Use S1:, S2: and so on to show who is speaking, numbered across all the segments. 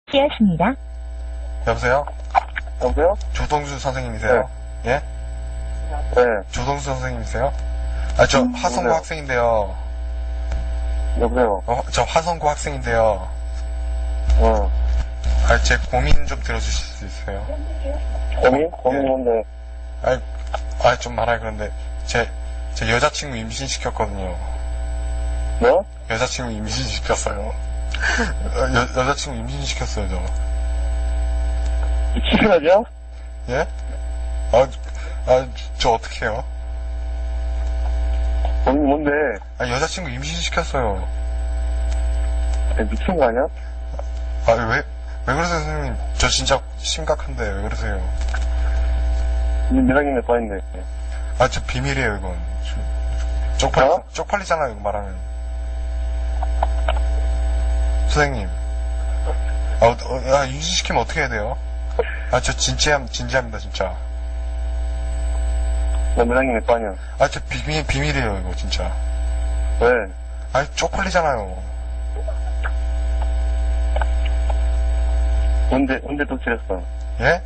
S1: 되었습니다.
S2: 여보세요?
S3: 여보세요?
S2: 조동수 선생님이세요? 예?
S3: 네.
S2: 조동수 선생님이세요? 저 화성고
S3: 네.
S2: 학생인데요.
S3: 여보세요?
S2: 저 화성고 학생인데요.
S3: 어.
S2: 제 고민 좀 들어주실 수 있어요?
S3: 고민? 고민이 뭔데?
S2: 좀 말하기 그런데, 제 여자친구 임신시켰거든요.
S3: 뭐?
S2: 여자친구 임신시켰어요. 여자친구 임신시켰어요, 저.
S3: 미친거죠?
S2: 예? 저 어떡해요?
S3: 고민이 뭔데?
S2: 여자친구 임신시켰어요.
S3: 미친 거 아니야?
S2: 왜 그러세요, 선생님? 저 진짜 심각한데, 왜 그러세요?
S3: 니 매장님 몇 살인데?
S2: 저 비밀이에요, 이건. 쪽팔리잖아요, 이거 말하면. 선생님. 임신시키면 어떻게 해야 돼요? 저 진지합니다, 진짜.
S3: 너 매장님 몇 살이야?
S2: 저 비밀이에요, 이거, 진짜.
S3: 왜?
S2: 쪽팔리잖아요.
S3: 언제 도출했어?
S2: 예?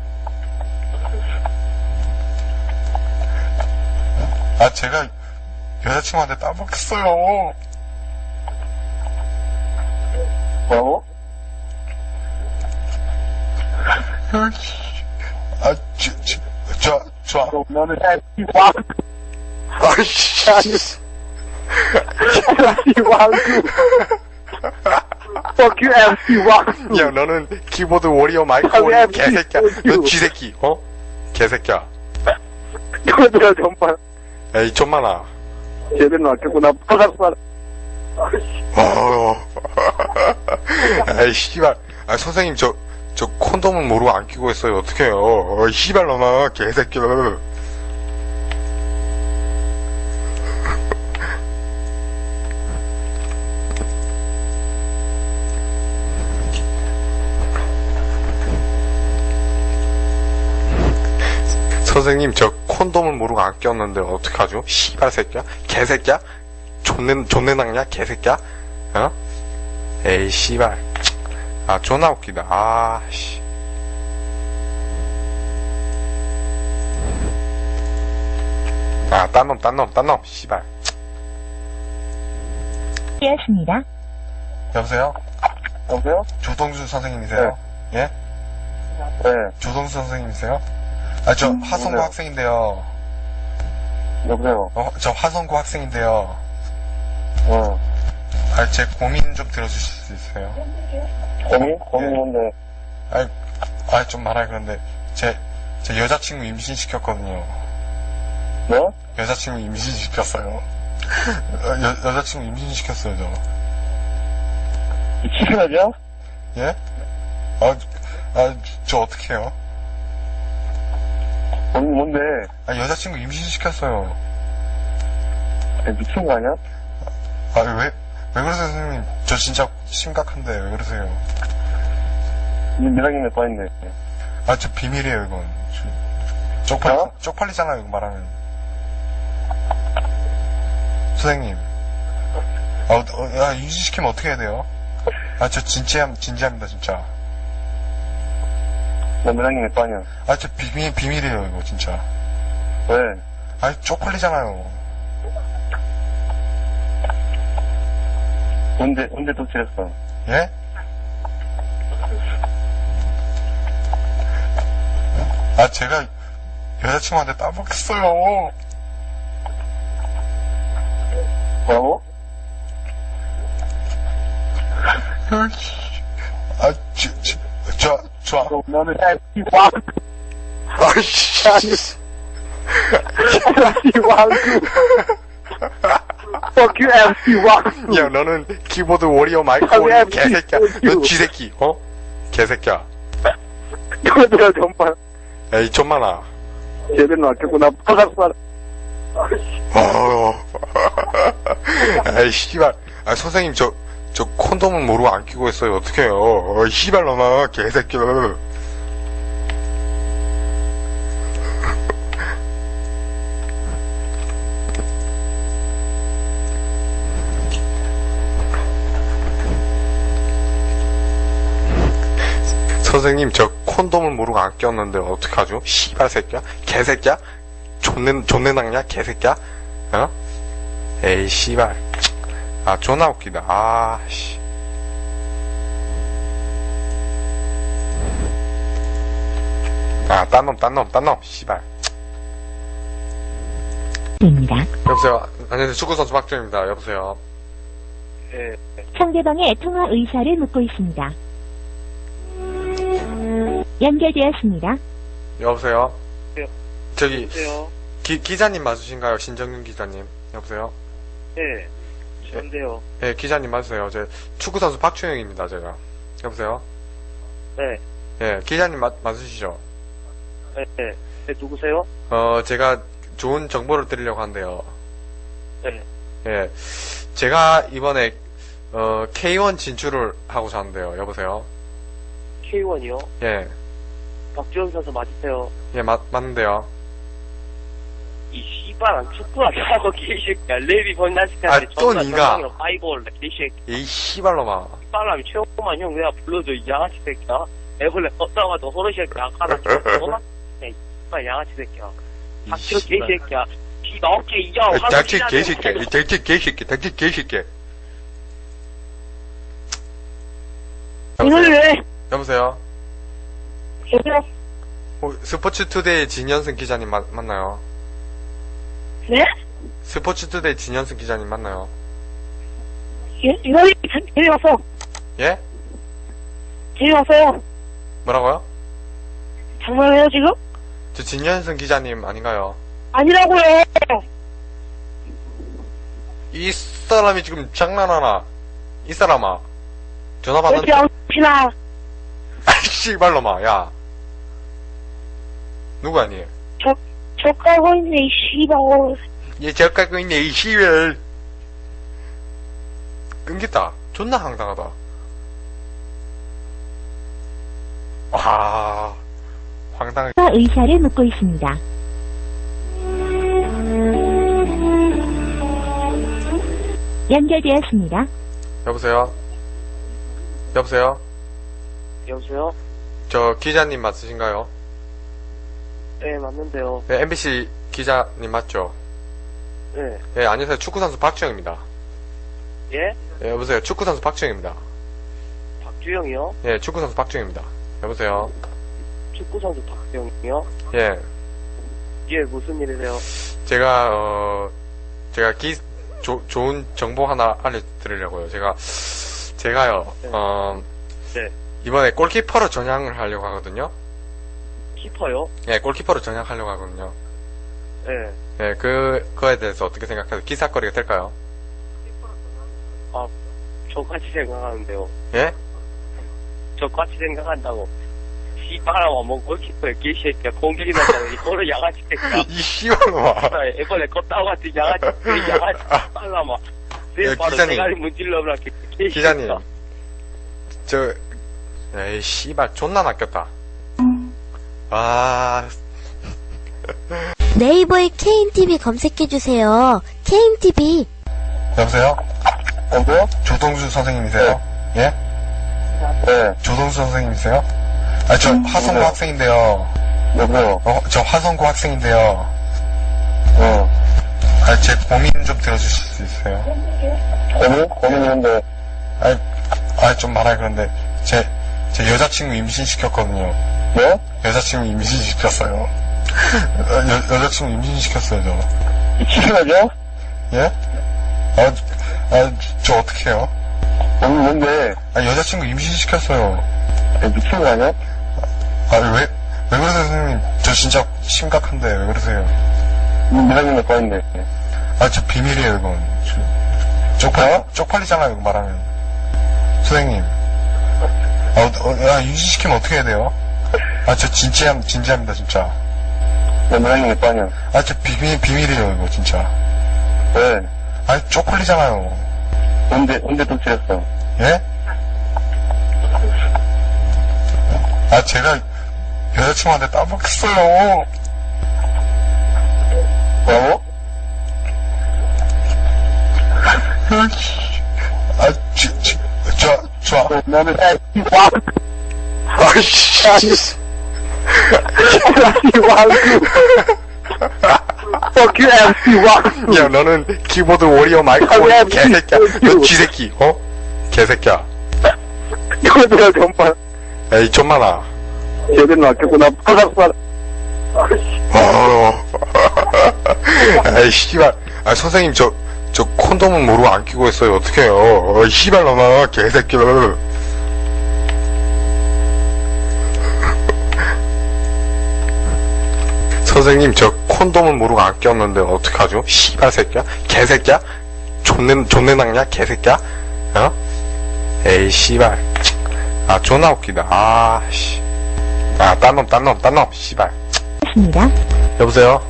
S2: 제가 여자친구한테 따먹혔어요.
S3: 뭐라고? 너는 MC 왕!
S2: 아이씨.
S3: MC 왕구! Fuck you MC 왕구!
S2: 야, 너는 키보드 워리어 마이크
S3: 왜
S2: 오리 개새끼야. 너 쥐새끼, 개새끼야.
S3: 이거들아 정말
S2: 에이, 좀만아.
S3: 제대로 낚였구나. 바삭바삭.
S2: 에이, 씨발. 선생님, 저 콘돔은 모르고 안 끼고 있어요. 어떡해요. 씨발, 너나, 개새끼야. 선생님, 저 콘돔을 모르고 안 꼈는데 어떡하죠? 씨발 새끼야? 개새끼야? 존내 낭냐? 개새끼야? 에이, 씨발. 존나 웃기다. 씨. 딴 놈, 씨발.
S1: 되었습니다.
S2: 여보세요?
S3: 여보세요?
S2: 조동수 선생님이세요? 예?
S3: 네.
S2: 조동수 선생님이세요? 저 화성고
S3: 네.
S2: 학생인데요.
S3: 여보세요?
S2: 저 화성고 학생인데요.
S3: 어.
S2: 제 고민 좀 들어주실 수 있어요?
S3: 고민? 고민이 뭔데?
S2: 좀 말하기 그런데, 제 여자친구 임신시켰거든요.
S3: 뭐?
S2: 여자친구 임신시켰어요. 여자친구 임신시켰어요, 저.
S3: 미친거죠?
S2: 예? 저 어떡해요?
S3: 고민이 뭔데?
S2: 여자친구 임신시켰어요.
S3: 미친 거 아니야?
S2: 왜 그러세요, 선생님? 저 진짜 심각한데, 왜 그러세요?
S3: 니 매장님 몇 살인데?
S2: 저 비밀이에요, 이건. 쪽팔리잖아요, 이거 말하면. 선생님. 임신시키면 어떻게 해야 돼요? 저 진지합니다, 진짜.
S3: 너 매장님 몇 살이야?
S2: 저 비밀이에요, 이거, 진짜.
S3: 왜?
S2: 쪽팔리잖아요.
S3: 언제 도출했어?
S2: 예? 제가 여자친구한테 따먹혔어요.
S3: 뭐라고? 너는 MC 왕!
S2: 아이씨.
S3: MC 왕구! Fuck you MC 왕구!
S2: 야, 너는 키보드 워리어 마이크 오리 개새끼야. 너 쥐새끼, 개새끼야.
S3: 이거들아 정말
S2: 에이, 좀만아.
S3: 제대로 낚였구나. 바삭바삭.
S2: 에이, 씨발. 선생님, 저 콘돔은 모르고 안 끼고 있어요. 어떡해요. 씨발, 너나, 개새끼야. 선생님, 저 콘돔을 모르고 안 꼈는데 어떡하죠? 씨발 새끼야? 개새끼야? 존내 낭냐? 개새끼야? 어? 에이, 씨발. 아, 존나 웃기다. 아, 씨. 아, 딴 놈, 씨발.
S1: 입니다.
S2: 여보세요. 안녕하세요. 축구선수 박정입니다. 여보세요.
S3: 예.
S1: 상대방의 통화 의사를 묻고 있습니다. 연결되었습니다.
S2: 여보세요.
S3: 네.
S2: 저기,
S3: 여보세요?
S2: 기자님 맞으신가요? 신정윤 기자님. 여보세요.
S3: 예. 저인데요.
S2: 예, 기자님 맞으세요. 제 축구선수 박주영입니다, 제가. 여보세요.
S3: 네.
S2: 예, 기자님 맞으시죠?
S3: 예. 네, 누구세요?
S2: 제가 좋은 정보를 드리려고 한대요.
S3: 네.
S2: 예, 제가 이번에, K1 진출을 하고자 하는데요. 여보세요.
S3: K1이요?
S2: 예,
S3: 박주영 선수 맞으세요?
S2: 예, 맞는데요.
S3: 이 씨발한 축구하자고 개새끼야. 레비 번나시까지
S2: 아, 또 니가.
S3: 파이볼 개새끼.
S2: 이 씨발놈아.
S3: 빨라면 최고만 형 그냥 불러줘 이 양아치 새끼야. 애벌레 껐다가 너 호르쉐 약하다 죽었어? 이 씨발 양아치 새끼야.
S2: 이
S3: 닥쳐
S2: 씨발.
S3: 개새끼야. 이 나올게 이자
S2: 닥치 개새끼야. 이 닥치 개새끼야.
S3: 이걸 왜?
S2: 여보세요.
S3: 여보세요?
S2: 스포츠투데이 진현승 기자님 맞나요?
S3: 네?
S2: 스포츠투데이 진현승 기자님 맞나요?
S3: 이걸 제일 왔어.
S2: 예?
S3: 제일 왔어요.
S2: 뭐라고요?
S3: 장난해요 지금?
S2: 저 진현승 기자님 아닌가요?
S3: 아니라고요.
S2: 이 사람이 지금 장난하나? 이 사람아. 전화
S3: 왜 이렇게
S2: 받는데.
S3: 양치나?
S2: 아이, 씨발놈아, 야. 누구 아니?
S3: 저 깔고 있네 이 씨발.
S2: 얘 저 갖고 있네, 이 씨발. 끊겼다. 존나 황당하다. 와, 황당해.
S1: 통화 의사를 묻고 있습니다. 연결되었습니다.
S2: 여보세요? 여보세요?
S3: 여보세요?
S2: 저 기자님 맞으신가요?
S3: 네 맞는데요.
S2: 네, MBC 기자님 맞죠?
S3: 네.
S2: 예, 안녕하세요. 축구선수 박주영입니다.
S3: 예?
S2: 예, 여보세요. 축구선수 박주영입니다.
S3: 박주영이요?
S2: 예, 축구선수 박주영입니다. 여보세요?
S3: 축구선수 박주영이요?
S2: 예,
S3: 예 무슨 일이세요?
S2: 제가 좋은 정보 하나 알려드리려고요. 제가요,
S3: 네. 네.
S2: 이번에 골키퍼로 전향을 하려고 하거든요.
S3: 키퍼요?
S2: 예, 골키퍼로 전향하려고 하거든요.
S3: 네.
S2: 예, 그거에 대해서 어떻게 생각하세요? 기사거리가 될까요?
S3: 저같이 생각하는데요.
S2: 예?
S3: 저같이 생각한다고. 씨발아마 뭐 골키퍼에 개새끼야. 공격이 나잖아. 이거를 양아치 새끼야.
S2: 이 씨발놈아.
S3: 이번에 껐다고 같은 양아치 씨발아마.
S2: 예,
S3: 바로
S2: 기자님.
S3: 대가리 문질러버라 개새끼야.
S2: 기자님. 에이, 씨발, 존나 낚였다. 아,
S4: 네이버에 KNTV 검색해주세요. KNTV.
S2: 여보세요?
S3: 여보세요?
S2: 조동수 선생님이세요? 예?
S3: 네.
S2: 조동수 선생님이세요? 아, 저 화성고
S3: 네.
S2: 학생인데요.
S3: 여보세요?
S2: 저 화성고 학생인데요.
S3: 어.
S2: 아, 제 고민 좀 들어주실 수 있어요?
S3: 고민인데.
S2: 좀 말하기 그런데, 제 여자친구 임신시켰거든요.
S3: 네?
S2: 여자친구 임신시켰어요. 여자친구 임신시켰어요, 저.
S3: 미친거죠?
S2: 예? 저 어떡해요?
S3: 뭔데?
S2: 여자친구 임신시켰어요.
S3: 미친 거 아니야?
S2: 왜 그러세요, 선생님? 저 진짜 심각한데, 왜 그러세요?
S3: 미사님 몇 번인데?
S2: 저 비밀이에요, 이건. 쪽팔리잖아요, 이거 말하면. 선생님. 임신시키면 어떻게 해야 돼요? 저 진지합니다, 진짜.
S3: 미사님 몇 번이야?
S2: 저 비밀이에요, 이거, 진짜.
S3: 왜?
S2: 쪽팔리잖아요.
S3: 언제 도착했어?
S2: 예? 제가 여자친구한테 따먹겠어요.
S3: 뭐라고?
S2: 좋아.
S3: 너는 와!
S2: 아이씨.
S3: MC 왕수. Fuck you, MC 왕수.
S2: 야, 너는 키보드 워리어 마이크
S3: 왜
S2: 개새끼야. 너 쥐새끼, 어? 개새끼야.
S3: 이거들아, 정말.
S2: 에이, 좀만아.
S3: 제대로 낚였구나. 바삭바삭.
S2: 에이, 씨발. 아, 선생님, 저 콘돔은 모르고 안 끼고 있어요. 어떡해요. 씨발, 너나, 개새끼를. 선생님, 저 콘돔은 모르고 안 꼈는데 어떡하죠? 씨발 새끼야? 개새끼야? 존내 낭냐? 개새끼야? 어? 에이, 씨발. 아, 존나 웃기다. 아, 씨. 아, 딴 놈, 씨발.
S1: 있습니다.
S2: 여보세요?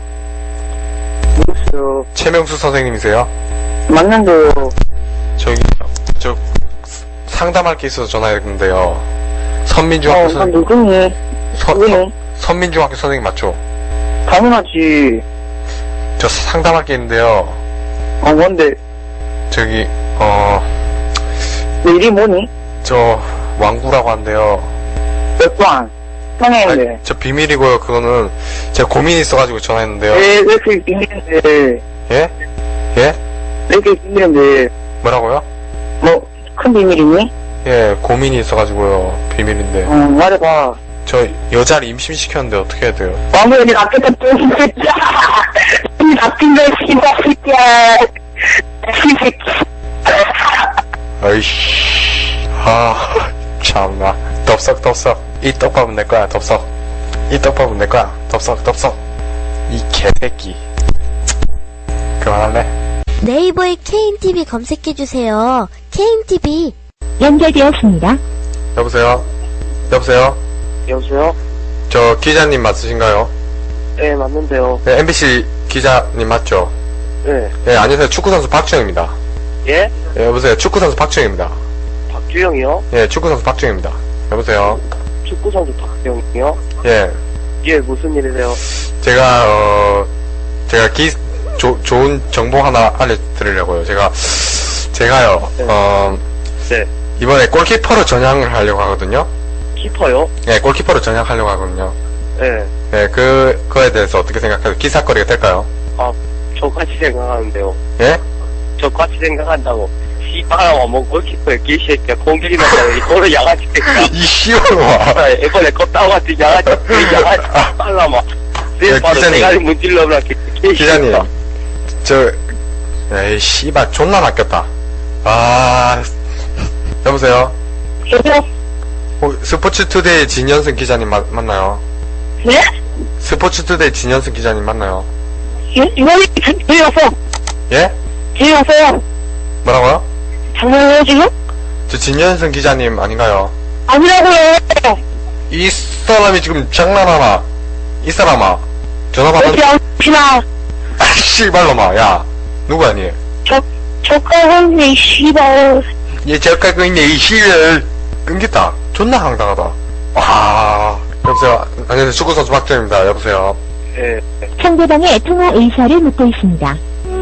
S3: 누구세요?
S2: 최명수 선생님이세요?
S3: 맞는데요.
S2: 저, 상담할 게 있어서 전화했는데요. 선민중학교 선생님,
S3: 누구니? 누구니?
S2: 선민중학교 선생님 맞죠?
S3: 당연하지.
S2: 저 상담할 게 있는데요.
S3: 뭔데?
S2: 저기,
S3: 내 이름이 뭐니?
S2: 저, 왕구라고 한대요.
S3: 몇 번? 상해인데.
S2: 아니, 저 비밀이고요. 그거는 제가 고민이 있어가지고 전화했는데요.
S3: 왜 이렇게 비밀인데?
S2: 예? 예?
S3: 왜 이렇게 비밀인데?
S2: 뭐라고요?
S3: 뭐, 큰 비밀이니?
S2: 예, 고민이 있어가지고요. 비밀인데.
S3: 말해봐.
S2: 저 여자를 임신시켰는데 어떻게 해야 돼요?
S3: 왕국이 낚였다, 이 새끼야! 이 낚인 거, 씨발 새끼야! 이 새끼.
S2: 아이씨. 아, 참나. 덥석. 이 떡밥은 내 거야, 덥석. 이 떡밥은 내 거야, 덥석. 이 개새끼. 그만할래?
S4: 네이버에 KNTV 검색해주세요. KNTV.
S1: 연결되었습니다.
S2: 여보세요?
S3: 여보세요?
S2: 저 기자님 맞으신가요?
S3: 네, 맞는데요.
S2: 네, MBC 기자님 맞죠?
S3: 네.
S2: 네, 안녕하세요. 축구선수 박주영입니다.
S3: 예?
S2: 네, 여보세요. 축구선수 박주영입니다.
S3: 박주영이요?
S2: 예, 축구선수 박주영입니다. 여보세요?
S3: 축구선수 박주영이요?
S2: 예,
S3: 예, 무슨 일이세요?
S2: 제가 좋은 정보 하나 알려드리려고요. 제가요,
S3: 네.
S2: 이번에 골키퍼로 전향을 하려고 하거든요.
S3: 키퍼요?
S2: 예, 골키퍼로 전향하려고 하거든요.
S3: 네.
S2: 예, 그거에 대해서 어떻게 생각하세요? 기사거리가 될까요?
S3: 저같이 생각하는데요.
S2: 예?
S3: 저같이 생각한다고. 씨발아, 뭐, 골키퍼에 개새끼야. 공격이 났다고. 이거를 야가지 새끼야.
S2: 이 씨발놈아.
S3: 이번에 껐다고 같은 야가지 빨라, 막.
S2: 예,
S3: 내 바로
S2: 기자님.
S3: 대가리 문질러버라,
S2: 기자님, 에이, 씨발, 존나 낚였다. 아, 여보세요? 스포츠투데이 진현승 기자님 맞나요?
S3: 네?
S2: 스포츠투데이 진현승 기자님 맞나요?
S3: 이번에 재미없어.
S2: 예?
S3: 재미없어요.
S2: 뭐라고요?
S3: 장난해요, 지금?
S2: 저 진현승 기자님 아닌가요?
S3: 아니라고요.
S2: 이 사람이 지금 장난하나? 이 사람아, 전화 받는,
S3: 왜 이렇게
S2: 아, 씨발놈아, 야, 누구 아니?
S3: 저까지 씨발.
S2: 얘 저까고 있네, 이 씨를. 끊겼다. 존나 황당하다. 와, 여보세요? 안녕하세요. 축구선수 박정입니다. 여보세요?
S3: 예.
S1: 상대방의 통화 의사를 묻고 있습니다.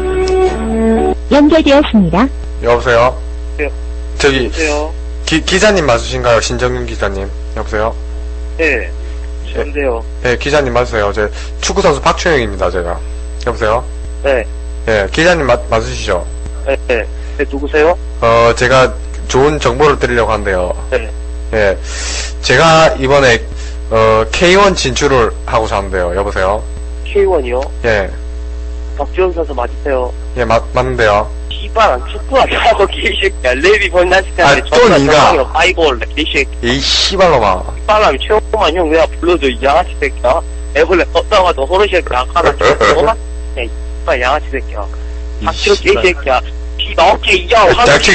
S1: 연결되었습니다.
S2: 여보세요?
S3: 네.
S2: 저기,
S3: 여보세요?
S2: 기자님 맞으신가요? 신정윤 기자님. 여보세요?
S3: 예. 저인데요.
S2: 네, 기자님 맞으세요. 제 축구선수 박주영입니다, 제가. 여보세요?
S3: 네.
S2: 예, 기자님 맞으시죠?
S3: 네. 네. 누구세요?
S2: 제가 좋은 정보를 드리려고 한대요.
S3: 네.
S2: 예, 제가 이번에, K1 진출을 하고자 하는데요. 여보세요?
S3: K1이요?
S2: 예,
S3: 박지원 선수 맞으세요?
S2: 예, 맞는데요.
S3: 씨발, 안 축구하자고, 개새끼야. 레비 번나시간에
S2: 또 니가.
S3: 아이고, 원래 개새끼.
S2: 이 씨발놈아.
S3: 사람이 최고만 형 내가 불러줘, 이 양아치 새끼야. 애벌레 껐다가 너 호르쉐 아까는 너만? 야, 이 씨발 양아치 새끼야. 박지원 개새끼야. 씨발, 어깨 이야.
S2: 닥치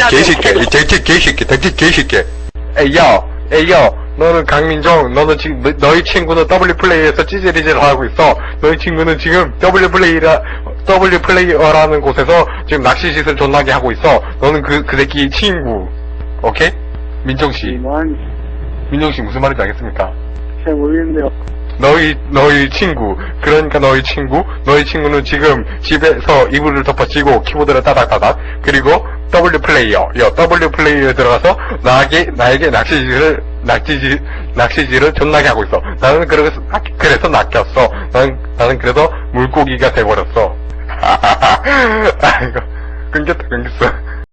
S2: 개새끼. 에이요, 너는 강민정, 너는 지금, 너희 친구는 W플레이에서 찌질이질 하고 있어. 너희 친구는 지금 W플레이어라는 곳에서 지금 낚시짓을 존나게 하고 있어. 너는 그 새끼 친구. 오케이? 민정씨. 민정씨 무슨 말인지 알겠습니까?
S3: 잘 모르겠는데요.
S2: 너희 친구. 그러니까 너희 친구는 지금 집에서 이불을 덮어치고 키보드를 따닥따닥. 그리고 W플레이어에 들어가서 나에게 낚시짓을 낚시질을 존나게 하고 있어. 나는 그래서 낚였어. 나는 그래서 물고기가 돼버렸어. 아이고, 끊겼어.